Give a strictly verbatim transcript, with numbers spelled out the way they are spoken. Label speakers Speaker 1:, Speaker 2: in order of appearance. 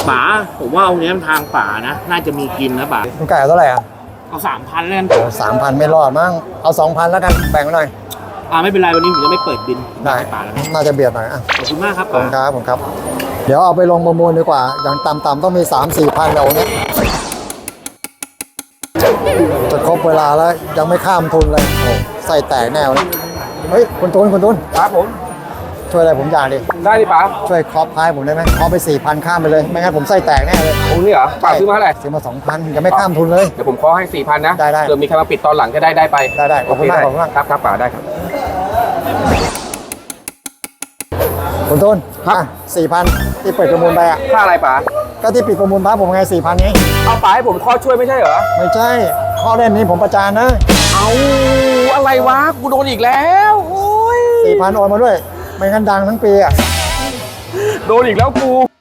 Speaker 1: ป๋าผมว่าเอาเนี้ยทางป๋านะน่าจะมีกินนะป๋า
Speaker 2: คุณไก่เอาเท่าไหร่อ่ะ
Speaker 1: เอาสามพันแล้วกัน
Speaker 2: สามพันไม่รอดมั้งเอาสองพันแล้วกันแบ่งไว้หน่อย
Speaker 1: อ่าไม่เป็นไรวันนี้ผมจะไม่เปิดบิน
Speaker 2: ได้
Speaker 1: ให้ป๋าแล้ว
Speaker 2: น่าจะเบียดหน่อยอ่ะ
Speaker 1: ขอบคุณมากครับ
Speaker 2: ขอบ
Speaker 1: ป๋า
Speaker 2: คุณครับผมครับ เดี๋ยวเอาไปลงประมูลดีกว่า อย่างต่ำๆต้องมี สามสี่พันแล้วเนี้ยจะครบเวลาแล้วยังไม่ข้ามทุนเลยโอ้ใส่แตกแน่เลยเฮ้ยคุณตูนคุณตูน
Speaker 3: ครับผม
Speaker 2: ช่วยอะไรผมอย่างดิ
Speaker 3: ได้ดิป๋า
Speaker 2: ช่วยครอบพายผมได้ไหมครอบไปสี่พันข้ามไปเลยไม่งั้นผมไส้แตกแน่เลย
Speaker 3: องค์นี้เหรอป๋าซื้อมาเท่าไหร่
Speaker 2: ซื้อมาสองพันยังไม่ข้ามทุนเลย
Speaker 3: เดี๋ยวผมขอให้สี่พันนะ
Speaker 2: ได้ได้
Speaker 3: เผื่อมีใครมาปิดตอนหลังจะได้ได้ไป
Speaker 2: ได้ได้ขอบคุณมาก
Speaker 3: โเ
Speaker 2: ขอบคุณมาก
Speaker 3: ครับครับป๋าได้ครับ
Speaker 2: คุณตูนอ่ะสี่พันที่เปิดประมูลไปอ่ะ
Speaker 3: ค่าอะไรป๋า
Speaker 2: ก็ที่ปิดประมูลบ้านผมไงสี่พันไง
Speaker 3: เอาป๋าให้ผมข้อช่วยไม่ใช่เหรอ
Speaker 2: ไม่ใช่ข้อเล่นนี้ผมประจานนะ
Speaker 3: เอาอะไรวะกูโดนอีกแล้วโอ้ย
Speaker 2: สี่พันโอนมาด้วย ไม่งั้นดังทั้งปีอ่ะ
Speaker 3: โดนอีกแล้วกู